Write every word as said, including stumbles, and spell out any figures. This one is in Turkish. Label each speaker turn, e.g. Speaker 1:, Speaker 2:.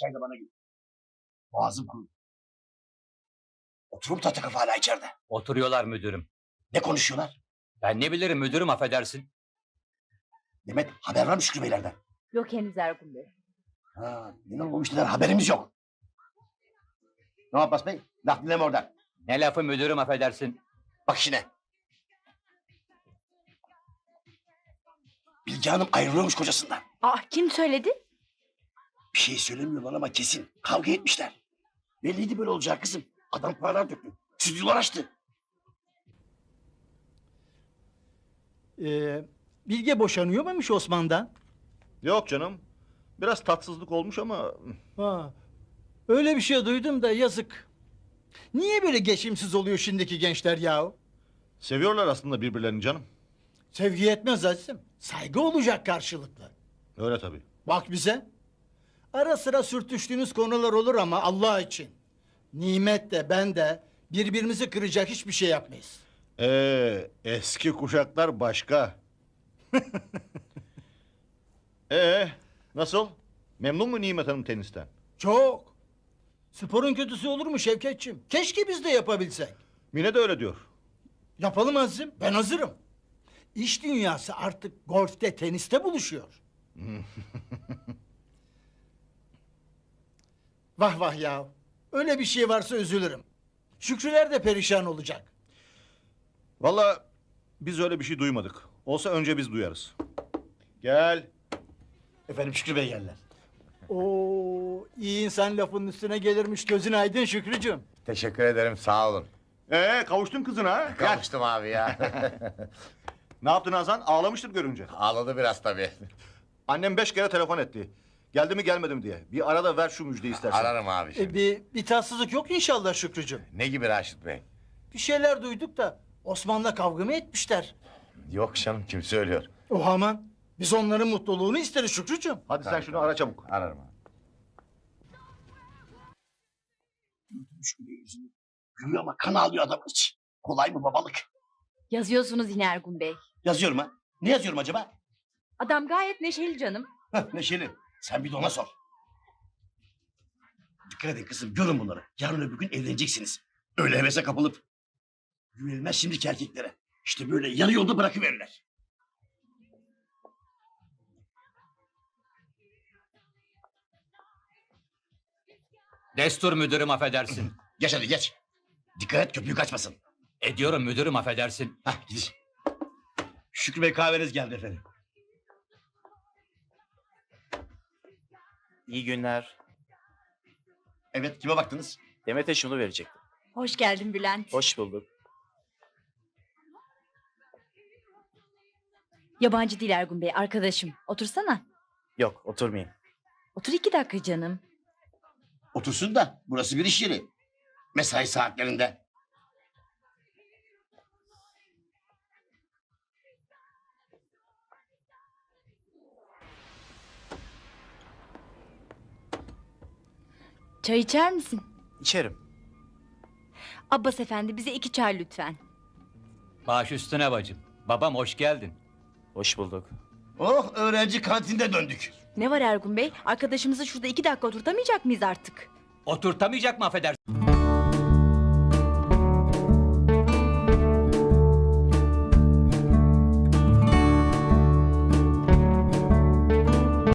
Speaker 1: çay da bana gül. Boğazım kurudu. Oturup tahta kafa hala içeride.
Speaker 2: Oturuyorlar müdürüm.
Speaker 1: Ne konuşuyorlar?
Speaker 2: Ben ne bilirim müdürüm, affedersin.
Speaker 1: Demet haber var mı Şükrü Beylerden?
Speaker 3: Yok henüz Ergun Bey.
Speaker 1: Ha, ne olmuş neler haberimiz yok. Ne Abbas Bey? Laf dinleme oradan.
Speaker 2: Ne lafı müdürüm, affedersin.
Speaker 1: Bak işine. Bilge Hanım ayrılıyormuş kocasından.
Speaker 3: Ah, kim söyledi?
Speaker 1: Bir şey söylemiyorlar ama kesin. Kavga etmişler. Belliydi böyle olacak kızım. Adam paralar döktü. Stüdyolar açtı.
Speaker 4: Ee, Bilge boşanıyor muymuş Osman'dan?
Speaker 5: Yok canım. Biraz tatsızlık olmuş ama...
Speaker 4: Ha, öyle bir şey duydum da yazık. Niye böyle geçimsiz oluyor şimdiki gençler yahu?
Speaker 5: Seviyorlar aslında birbirlerini canım.
Speaker 4: Sevgi yetmez Aziz'im. Saygı olacak karşılıklı.
Speaker 5: Öyle tabii.
Speaker 4: Bak bize. Ara sıra sürtüştüğünüz konular olur ama Allah için. Nimet de ben de birbirimizi kıracak hiçbir şey yapmayız.
Speaker 5: Ee, eski kuşaklar başka. Ee, nasıl? Memnun mu Nimet Hanım tenisten?
Speaker 4: Çok. Sporun kötüsü olur mu Şevketçim? Keşke biz de yapabilsek.
Speaker 5: Mine de öyle diyor.
Speaker 4: Yapalım Aziz'im. Ben hazırım. İş dünyası artık golfte, teniste buluşuyor. Vah vah ya. Öyle bir şey varsa üzülürüm. Şükrüler de perişan olacak.
Speaker 5: Vallahi biz öyle bir şey duymadık. Olsa önce biz duyarız. Gel.
Speaker 1: Efendim Şükrü Bey geldiler.
Speaker 4: Oo, iyi insan lafının üstüne gelirmiş. Gözün aydın Şükrücüğüm.
Speaker 6: Teşekkür ederim, sağ olun.
Speaker 5: Ee, kavuştun kızına ha? Gel.
Speaker 6: Kavuştum abi ya.
Speaker 5: Ne yaptın Hazan? Ağlamıştır görünce.
Speaker 6: Ağladı biraz tabii.
Speaker 5: Annem beş kere telefon etti. Geldi mi gelmedi mi diye. Bir arada ver şu müjdeyi istersen.
Speaker 6: Ararım abi şimdi.
Speaker 4: E, bir, bir tatsızlık yok inşallah Şükrücüğüm.
Speaker 6: Ne gibi Raşit Bey?
Speaker 4: Bir şeyler duyduk da Osman'la kavga mı etmişler?
Speaker 6: Yok canım, kim söylüyor?
Speaker 4: O aman. Biz onların mutluluğunu isteriz Şükrücüğüm.
Speaker 5: Hadi sen
Speaker 6: Tabii,
Speaker 5: şunu
Speaker 6: tabii.
Speaker 5: ara çabuk.
Speaker 6: Ararım abi.
Speaker 1: Şükrü Bey yüzünü gülüyor ama kan ağlıyor adam hiç. Kolay mı babalık?
Speaker 3: Yazıyorsunuz yine Ergun Bey.
Speaker 1: Yazıyorum ha. Ne yazıyorum acaba?
Speaker 3: Adam gayet neşeli canım.
Speaker 1: Heh, Neşeli. Sen bir de ona sor. Dikkat edin kızım, görün bunları. Yarın öbür gün evleneceksiniz. Öyle hevese kapılıp. Güvenilmez şimdiki erkeklere. İşte böyle yarı yolda bırakıverirler.
Speaker 2: Destur müdürüm, affedersin.
Speaker 1: Geç hadi geç. Dikkat et köpüğü kaçmasın.
Speaker 2: Ediyorum müdürüm, affedersin.
Speaker 1: Hah gidin. Şükrü Bey kahveniz geldi efendim.
Speaker 7: İyi günler.
Speaker 1: Evet kime baktınız?
Speaker 7: Demet'e şunu verecektim.
Speaker 3: Hoş geldin Bülent.
Speaker 7: Hoş bulduk.
Speaker 3: Yabancı değil Ergun Bey, arkadaşım. Otursana.
Speaker 7: Yok, oturmayayım.
Speaker 3: Otur iki dakika canım.
Speaker 1: Otursun da burası bir iş yeri. Mesai saatlerinde.
Speaker 3: Çay içer misin?
Speaker 7: İçerim.
Speaker 3: Abbas efendi bize iki çay lütfen.
Speaker 2: Baş üstüne bacım. Babam hoş geldin.
Speaker 7: Hoş bulduk.
Speaker 1: Oh öğrenci kantinde döndük.
Speaker 3: Ne var Ergun Bey? Arkadaşımızı şurada iki dakika oturtamayacak mıyız artık?
Speaker 2: Oturtamayacak mı, affedersin?